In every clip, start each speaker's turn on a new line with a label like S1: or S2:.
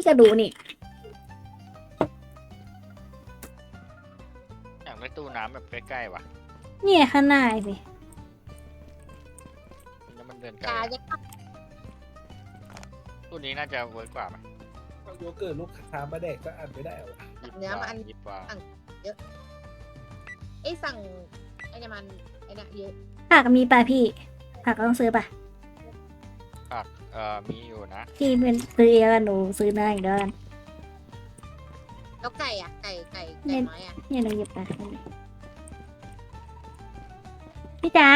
S1: ก็ดูนี่
S2: อยากได้ตู้น้ำแบบใกล้ๆว่ะ
S1: เนี่ยข้างหน้าสิ
S2: แล้วมันเดินไกล
S3: กา
S2: อะ
S3: จะ
S2: ตู้นี้น่าจะเวิร์กกว่าไหม
S4: เอาโยเกิร์ตลูกค้ามาแดกก็อ่านไม่ได้หรอ
S2: ยิบกว่ายิบกว่า
S3: ไอ้สั่งไอ้เนี่ยมันไอ้เนี่ยเยอะ
S1: ผักมีป่ะพี่ผักต้องซื้อป่ะ
S2: ผักมีอยู่นะ
S1: พี่เป็นซื้อเองกันหนูซื้อเนื้ออีกเด้อน
S3: แล้วไก่อ่ะไก่น้อยอ่ะ
S1: เนี่ยหนูหยิบไปพี่จ๋า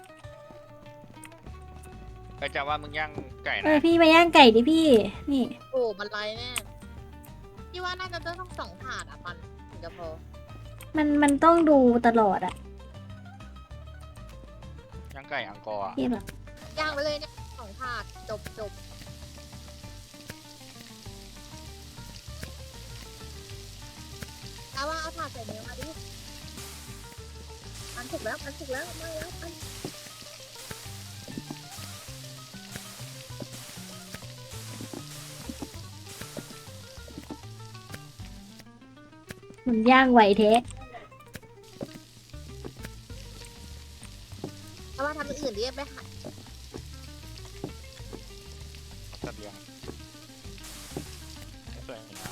S2: ไปจะว่ามึงย่างไก่
S1: เอ
S2: นะ
S1: อพี่มาย่างไก่ดิพี่ นี่
S3: โอ้มันไรแน่พี่ว่าน่าจะต้อง2 ถาดอ่ะปันถึงจะพอ
S1: มันต้องดูตลอดอะ
S2: ย่างไก่อังกอร์อะ
S1: พี่แบบ
S3: ย่างไปเลยเนี่ย2 ถาดจบเอาว่าเอาถาดใส่เนื้อมาดิมันถูกแล้วมาแล้วปัน
S1: มันย่างไหวเทะ
S3: เอาว่าทำอย่างอื่นดิไปหา
S2: เสบียงสวยงาม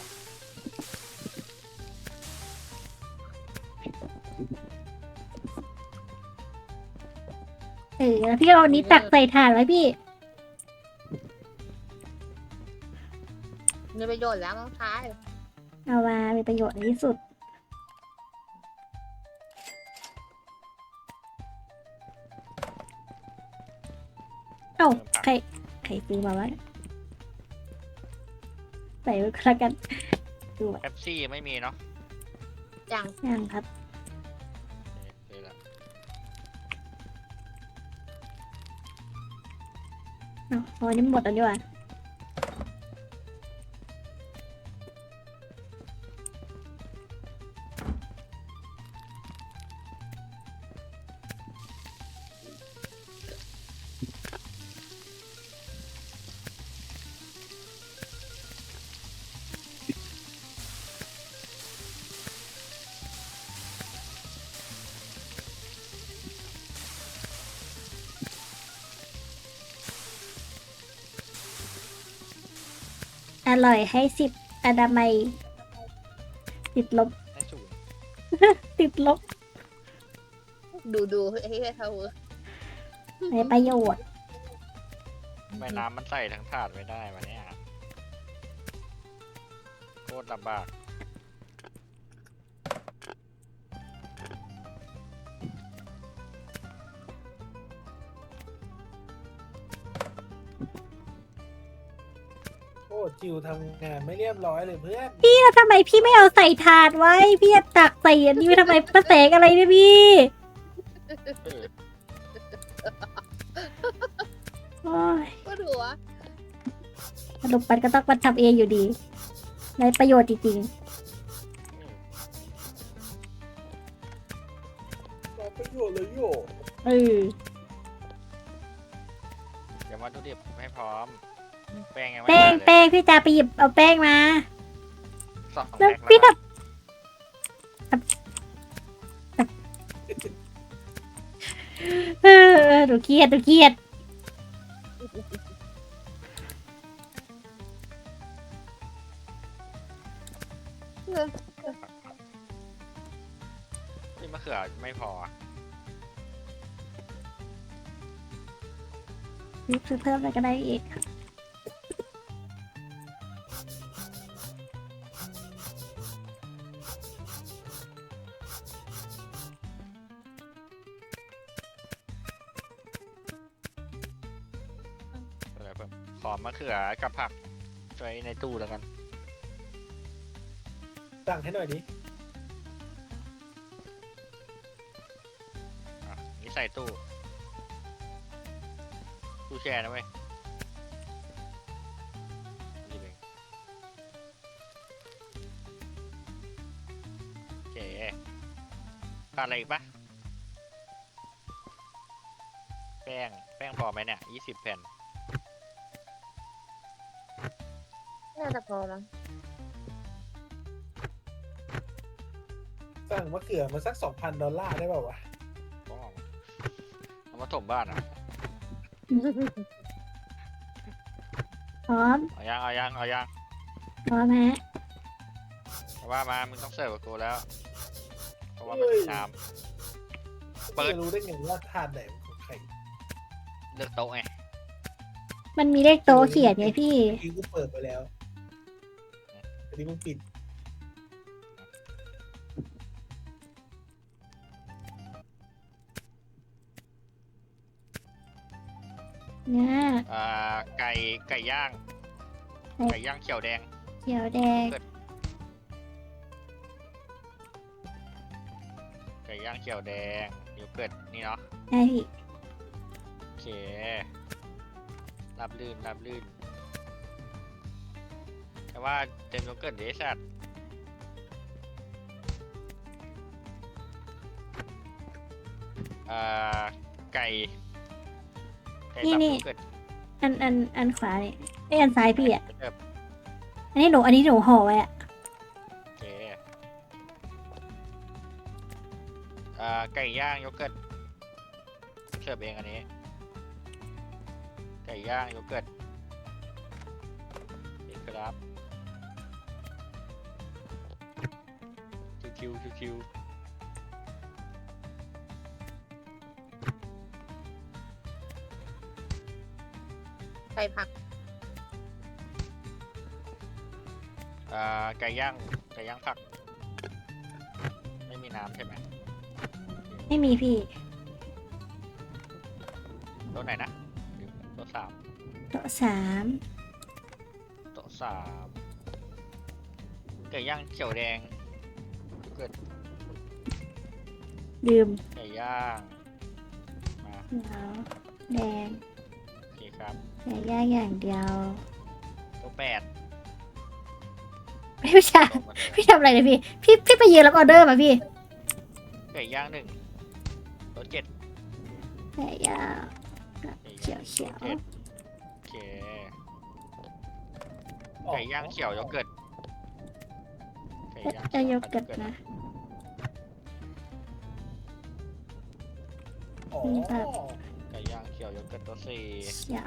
S1: แล้วพี่เอาอันนี้ตักใส่ถาดไว้พี่
S3: มีประโยชน์แล้วน้องชาย
S1: เอามาเป็นประโยชน์ที่สุด เอ้าใครซื้อมาวะใส่ไว้ก็แล้วกันดู
S2: เอฟซี่ไม่มีเนาะ
S3: อย่าง
S1: ยังครับ
S2: เดี๋ยวละ
S1: เอาพอนี้หมดแล้วดีกว่า อร่อยให้10อนามัยติดลบ
S2: ให้สูง
S1: ติดลบ
S3: ดูให้เขา
S1: ในประโยชน์
S2: แม่น้ำมันใส่ทั้งถาดไม่ได้วะเนี่ยโคตรลำบาก
S4: โอ้จิวทำงานไม่เรียบร้อยเลยเพื่อน
S1: แล้วทำไมพี่ไม่เอาใส่ถาดไว้ พี่จะตักใส่อันนี้ไว้ทำไมประแสงอะไรเนี่ยพี่
S2: เออ
S1: โอ้ย
S3: ก็ดูวะ
S1: สรุปมันก็ต้องมาทำเองอยู่ดีในประโยชน์จริง
S4: รอประโยชน์เลยโย
S1: ๆเออ
S2: เดี๋ยววัตถุดิบให้พร้อม แป้งยังไม่
S1: แป้ง
S2: มาเลย
S1: แป้งพี่จะไปหยิบเอาแป้งมา
S2: 2
S1: แล้ว
S2: แพ็ค
S1: พี่
S2: แล้ว
S1: เออหนูเครียด
S2: นี่มะเขือไม่พออะ
S1: ซื้อเพิ่มอะไรก็ได้อีก
S2: อะไรเพิ่มขอมะเขือกับผักไว้ในตู้แล้วกัน
S4: สั่งให้หน่อยดิ
S2: อ่ะนี่ใส่ตู้แช่นะเว้ยหยิบเองโอเคขาดอะไรอีกปะแป้งพอไหมเนี่ย20 แผ่น
S3: โน่าจะพอมั้ง
S4: สั่งมะเขือมาสัก$2,000ได้เปล่าวะ
S2: ก็เอามาถมบ้านอ่ะ
S1: พร้อม
S2: เอายังเอายังเอายัง
S1: พร้อมฮะ
S2: แต่ว่ามามึงต้องเสิร์ฟกับกูแล้วเพราะว่ามันมีน้ เปิด
S4: จะรู้ได้ไงว่าทานไหนของใคร
S2: ำเลือกโต๊ะไง
S1: มันมีเลขโต๊ะเขียนไงพี่
S4: เมื่อกี้กูเปิดไปแล้วอันนี้มึงปิด
S1: เนี่ย
S2: ไก่ย่าง
S1: ไก่
S2: ไก่ย่างเขียวแดง
S1: เขียวแดง
S2: ไก่ย่างเขียวแดงโยเกิร์ตนี่เนาะ
S1: ได้พี่
S2: โอเค รับลื่นรับลื่น แต่ว่าเต็มโยเกิร์ตเดซัดไก่ตับโยเกิร์ต
S1: อันขวาเนี่ยไอ้ยอันซ้ายพี่อ่ะ
S2: เริ่ม
S1: อันนี้หนูห่อไว้อ่ะ
S2: โอเคไก่ย่างโยเกิร์ตเสิร์ฟเองอันนี้ ไก่ย่างโยเกิร์ตนี่ครับคิว
S3: ใส่ผัก
S2: ไก่ย่างผัก ไม่มีน้ำใช่ไหม
S1: ไม่มีพี่
S2: โต๊ะไหนนะลืมโต๊ะสาม
S1: โต๊ะสาม
S2: โต๊ะสามไก่ย่างเขียวแดงเกิด
S1: ลืม
S2: ไก่ย่างมา
S1: เขียวแดง
S2: โอเคครับ
S1: ไก่ย่างอย่างเดียว
S2: โต๊ะแปด
S1: พี่ชา
S2: โต๊ะมาเลย
S1: พี่ทำอะไรเนี่ยพี่ไปยืนรับออเดอร์มาพี่
S2: ไก่ย่างหนึ่งโต๊ะเจ็ด
S1: ไก่ย่าง
S2: ไก่
S1: เขียว
S2: โต๊ะเจ็ดโอเคไก่ย่างเขียวโยเกิร์ตไก่ย่าง
S1: จะยก
S2: ผั
S1: กัดนะ
S4: อ๋อ
S1: มีแบบ
S2: ไก่ย่างเขียวโยเกิร์ตโต๊ะสี่
S1: เขียว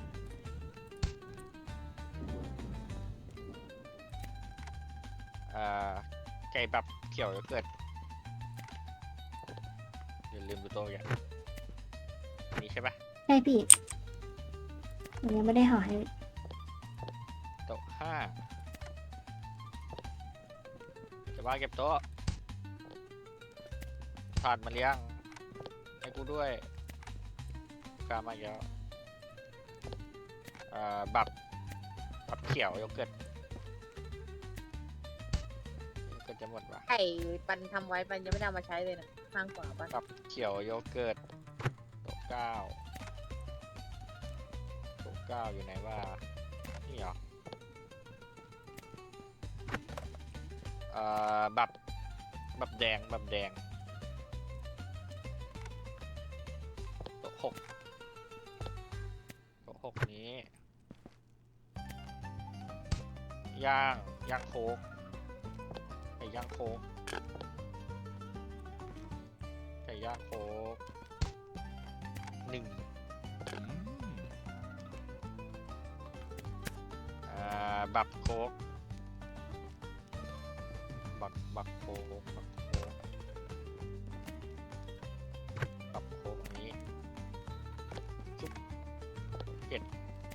S2: ไก่แบบเขียวโยเกิร์ตอย่าลืมดูโต๊ะอย่างนี้ใช่ปะ
S1: ใช่พี่หนูยังไม่ได้ห่อให้
S2: โต๊ะห้าจะว่าเก็บโต๊ะถาดมาเลี้ยงให้กูด้วยกามาอีกแล้วบับเขียวโยเกิร์ตจะหมดวะ
S3: ไข่ปันทำไว้ปันยังไม่ได้เอามาใช้เลยนะข้างขวาปัน
S2: บับเขียวโยเกิร์ตโต๊ะเก้าอยู่ไหนว่านี่เหรอบับแดงโต๊ะหกนี้ย่างโค้กไก่ย่างโค้กหนึ่งบับโค้กบับโค้กอันนี้ซุปเผ็ด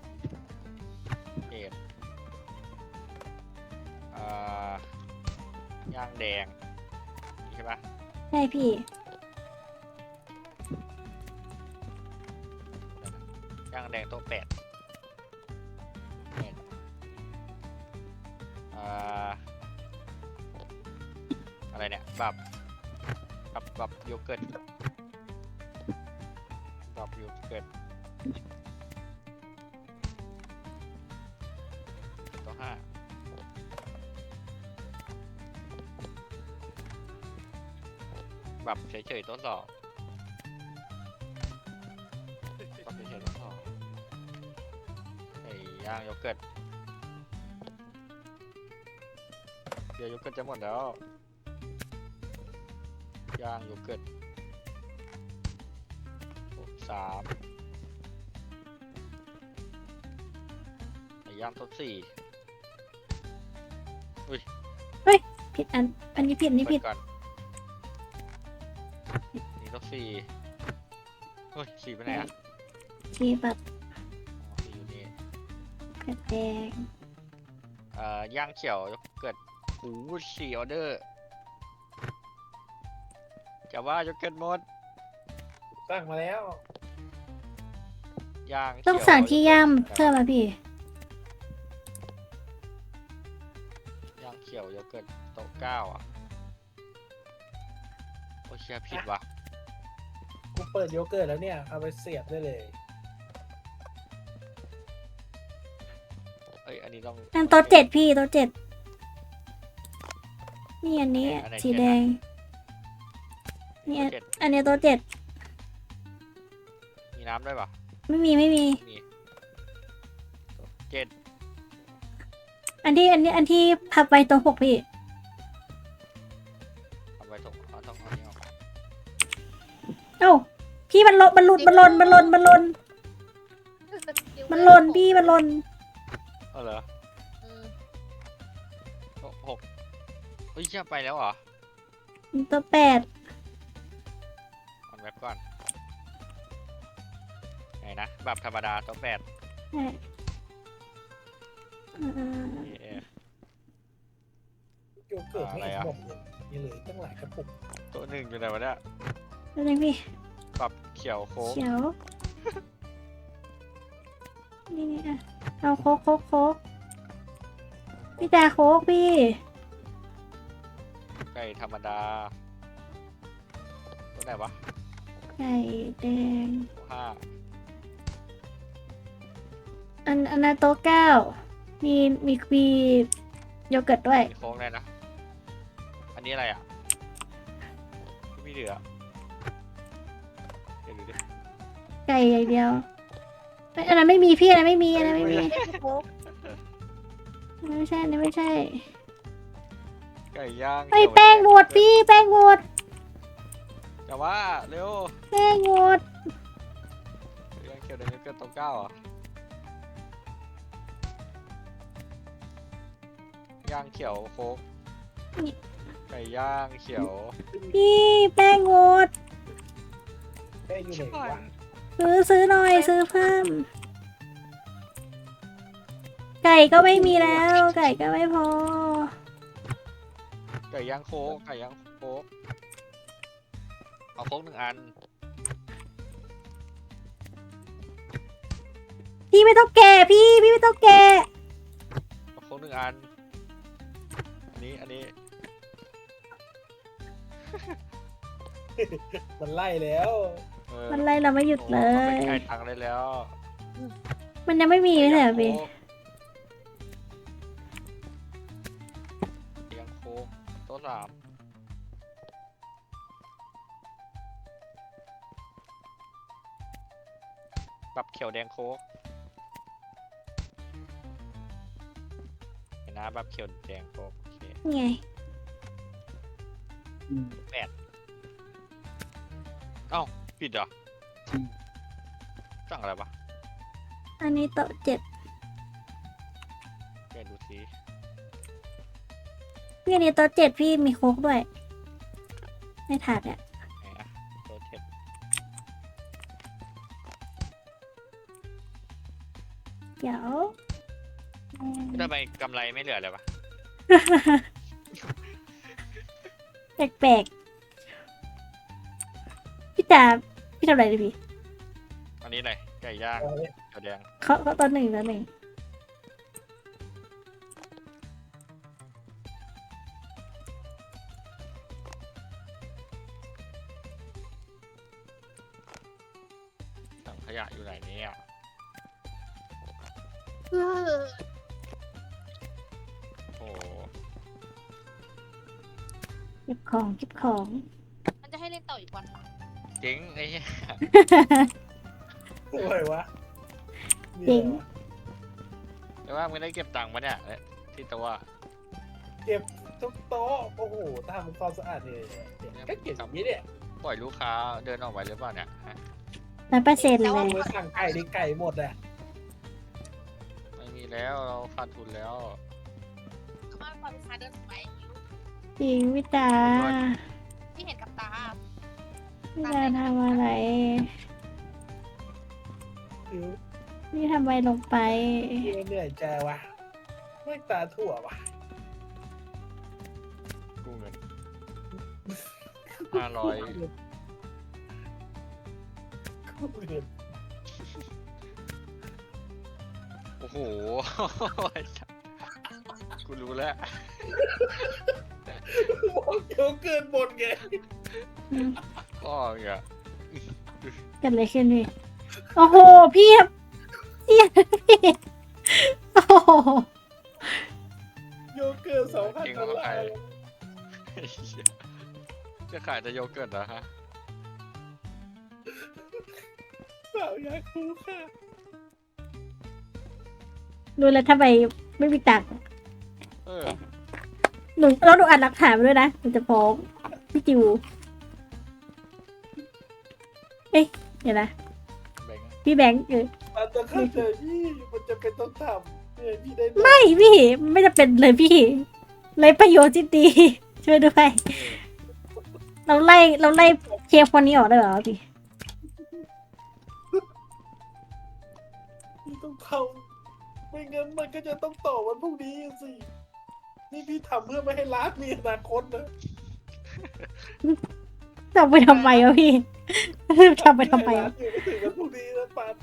S2: ย่างแดงนี่ใช่ปะ
S1: ใช่พี่
S2: ย่างแดงโต๊ะแปดอะไรเนี่ยบับโยเกิร์ตโต๊ะห้าบับเฉยๆโต๊ะสองบับเฉยๆโต๊ะสองไก่ย่างโยเกิร์ตเดี๋ยวโยเกิร์ตจะหมดแล้วย่างโยเกิร์ต3ไก่ย่างทด4
S1: ผิดอันนี้ผิดอันนี้ผิด
S2: เปิก่อนนี่ทด4เฮ้ย4ไปไหนอ่ะ
S1: ที่แบบ
S2: อ๋อ4อยู่นี่
S1: กระแดง
S2: ย่างเขียวโยเกิร์ตโอ้โห4ออเดอร์จะว่าโยเกิร์ตหมด
S4: สั่งมาแล้ว
S2: ย่าง
S1: ต้อง
S2: เขียว
S1: สั่งที่ย่าม
S2: โยกิร์ต
S1: เพิ่มมาพี่
S2: ย่างเขียวโยเกิร์ตโต๊ะ9อ่ะโอ้เชียผิดว่ะ
S4: กูเปิดโยเกิร์ตแล้วเนี่ย เอาไปเสียบได้เลย
S2: เอ้ยอันนี้ต้อง
S1: อันโต๊ะเจ็ดพี่โต๊ะ7นี่อันนี้
S2: อันไหน
S1: สี
S2: เจ็ด
S1: แด
S2: อะ
S1: งนี่
S2: โต๊ะเจ็ด
S1: อันนี้โต๊ะ7
S2: มีน้ำด้วยป่ะ
S1: ไม่มี
S2: มีโต๊ะ7
S1: อันที่พับไว้โต๊ะ6พี่
S2: เอาไว้ต้องเอานี้ออก
S1: เอ้าพี่มันหล่นพี่มันหล่น
S2: เอาเหรอ
S3: อืม
S2: โต๊ะ6เฮ้ยเชี่ยไปแล้วเหรอ
S1: โต๊ะ8
S2: มันแว็บก่อนไหนนะแบบธรรมดาโต๊ะ8
S1: ใช่อ่า
S2: เอ๊ะ
S4: โยเกิร์ตไม่
S2: อะไร
S4: เห็น
S2: อะ
S4: หมดเลยยังเหลือตั้งหลายกระปุก
S2: โต๊ะ1อยู่ไหนวะเนี่ย
S1: แล้วนี่พี่
S2: ปรับเขียวโค้ก
S1: เขียว นี่อ่ะเอาโค้กพี่จ่าโค้กพี่
S2: ไก่ธรรมดาโต๊ะไหนวะ
S1: ไก่แดง
S2: โต๊ะ5
S1: อันนั้นโต๊ะ9มีโยเกิร์ตด้วย
S2: มีโค้กได้นะอันนี้อะไรอ่ะไม่มีเหลือเดี๋ยวดูดิ
S1: ไก่อย่างเดียวเอ้ยอันนั้นไม่มีพี่อันนั้นไม่มีอันนั้นไม่มี
S3: ไม่ได้โค้ก
S1: อันนั้นไม่ใช่อันนั้นไม่ใช่
S2: ไก่ย่าง
S1: ไอ้ย
S2: เขียว
S1: แป้งหมดพี่แป้งหมด
S2: แต่ว่าเร็ว
S1: แป้งหมด
S2: ไก่ย่างเขียวแดงโยเกิร์ตโต๊ะ9อ่ะย่างเขียวโค้กไก่ย่างเขียว
S1: พี่แป้งหมด
S4: แป้งอยู่ไหนวะ
S1: ซื้อหน่อยซื้อเพิ่ม ไก่ก็ไม่มีแล้ว ไก่ก็ไม่พอ
S2: ไก่ย่างโค้กไก่ย่างโค้กเอาโค้ก1 อัน
S1: พี่ไม่ต้องแก่พี่ไม่ต้องแก่
S2: เอาโค้ก1 อันอันนี้
S4: มันไล่แล้ว
S2: เออ
S1: มันไล่เราไม่หยุดเล
S2: โอ้
S1: ย
S2: มันไปไก่ทางได้แล้ว
S1: มันยังไม่มีไม่ใช่เหรอพี่
S2: ไก่ย่างโค้กโต๊ะ3ปรับเขียวแดงโค้กเห็นนะปรับเขียวแดงโค้กโอเค
S1: นี่ไง
S2: เอ้าผิดเหรอสั่งอะไรปะ
S1: อันนี้โต๊ะ7
S2: แกดูสิ
S1: พี่อันนี้โต๊ะ7พี่มีโค้กด้วยในถาดเนี่ย
S2: ไหนอะโต๊ะ7
S1: เดี๋ยว
S2: ทำไมกำไรไม่เหลือเลยปะ
S1: แปลกๆพี่จ๋าพี่ทำอะไรดิพี่
S2: อันนี้อะไรไก่ย่าง
S4: เอาเลย
S2: เขียวแดง
S1: เขาตอนหนึ่ง
S2: ถังขยะอยู่ไหนเนี่ย
S3: เออ
S2: โอ้โห
S1: เก็บของ
S3: มันจะให้เล่นต่ออีกวันปะ
S2: เจ๊งไอ้เหี้ย
S4: โอ้ยวะ
S1: จริง
S2: แต่ว่ามึงได้เก็บตังค์ปะเนี่ยที่ตัว
S4: เเก็บทุกโต๊ะโอ้โหทำความสะอาดเลยก็เก็บอย่างนี้เนี่ย
S2: ปล่อยลูกค้าเดินออกไปหรือเปล่าเนี่ยฮะ
S1: 100%เล
S4: เอา
S1: ย
S4: ไปสั่งไก่ดิไก่หมดอะ
S2: ไม่มีแล้วเราขาดทุนแล้ว
S3: เขามาพอลูกค้าเดินออกไป
S1: จริงพี่ตา
S3: ที่เห็นกับตา
S1: พี่ตาทำอะไร
S4: คือ
S1: พี่ทำอะไรลงไป
S4: เหนื่อยใจวะไม่ตาถั่ววะ
S2: กู้เงิน500 โอ้โห กูรู้แล้ว
S4: บอกเดี๋ยวเกินหมดไง
S2: ก็เนี่ย
S1: เกิดอะไรขึ้นพี่ โอ้โห พี่พี่โอ้โห
S4: โยเกิร์ต2,000 $.
S2: จะขายแต่โยเกิร์ตเหรอฮะ
S4: สาวอยากรู้ค่ะ
S1: รู้แล้วทำไมไม่มีตังค์
S2: เออ
S1: แล้วหนูอัดหลักฐานมาด้วยนะหนูจะฟ้องพี่จิว เอ๊ะเดี๋ยวนะ
S2: แบงค์
S1: พี่แบงค์
S4: มันจะเข้าใจพี่มันจะเป็นต้องทำเนี่ยพี่ได้
S1: ไม่พี่ไม่จะเป็นเลยพี่เลยประโยชน์ที่ดี ช่วยด้วย เราไล่เชฟคนนี้ออกได้เหรอพี่
S4: พี่ต้องทำไม่งั้นมันก็จะต้องต่อวันพรุ่งนี้สินี่พี่ทำเพื่อไม่ให้ร้านมีอนาคตนะ
S1: ทำไปทำไมวะพี่ ทำไปทำไม
S4: ร้าน
S1: วะ
S4: อยู่ไม่ถึงวันพรุ่งนี้นะปัน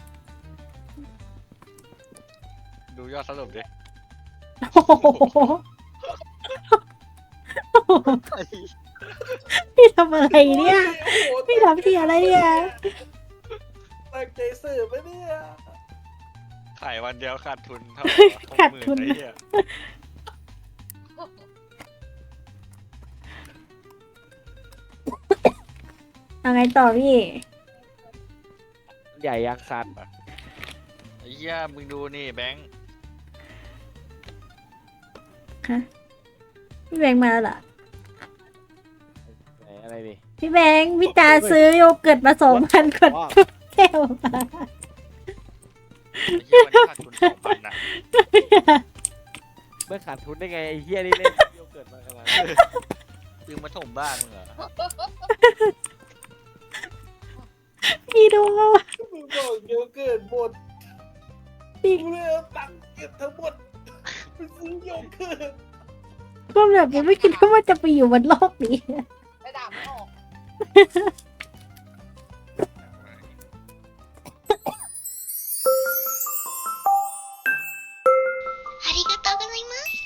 S2: ดูยอดสรุปดิ
S1: โอ้โหพี่ทำอะไรเนี่ย
S4: โอ้โห
S1: พี่ทำที่อะไรเนี่ย
S4: ตั้งใจสื่อไหมเนี่ย
S2: ขายวันเดียวขาดทุนเท่า
S1: ขาดทุน
S2: 60,000ไอ้เหี้ย
S1: เอาไงต่อพี่
S5: ใหญ่ยังสัตว์
S2: ไอ้เหี้ยมึงดูนี่แบงค์
S1: พี่แบงค์มาแล้วเหรอ
S5: ไหนอะไรดิ
S1: พี่แบงค์พี่ตาซื้อโยเกิร์ตมา2,000 กว่าแก้วมา
S2: ไอ้เหี้ยวันนี้ขาดทุน2,000น่ะ
S5: เมื่อขาดทุนได้ไงไอ้เฮียนี่เล่นโยเกิร์ตมาขนาดนั้น
S2: มึงมาถมบ้านมึงเหรอ
S1: พี่ดู
S4: มึงบอกเดี๋ยวเกิดหมด
S1: พี่
S4: กูเลยเอาตังค์เก็บทั้งหมดไปซื้อโยเกิร์ต
S1: ก็แบบยังไม่คิดว่าจะไปอยู่บนโลกนี้
S3: ไปด่าไม่ออก
S6: ありがとうございます。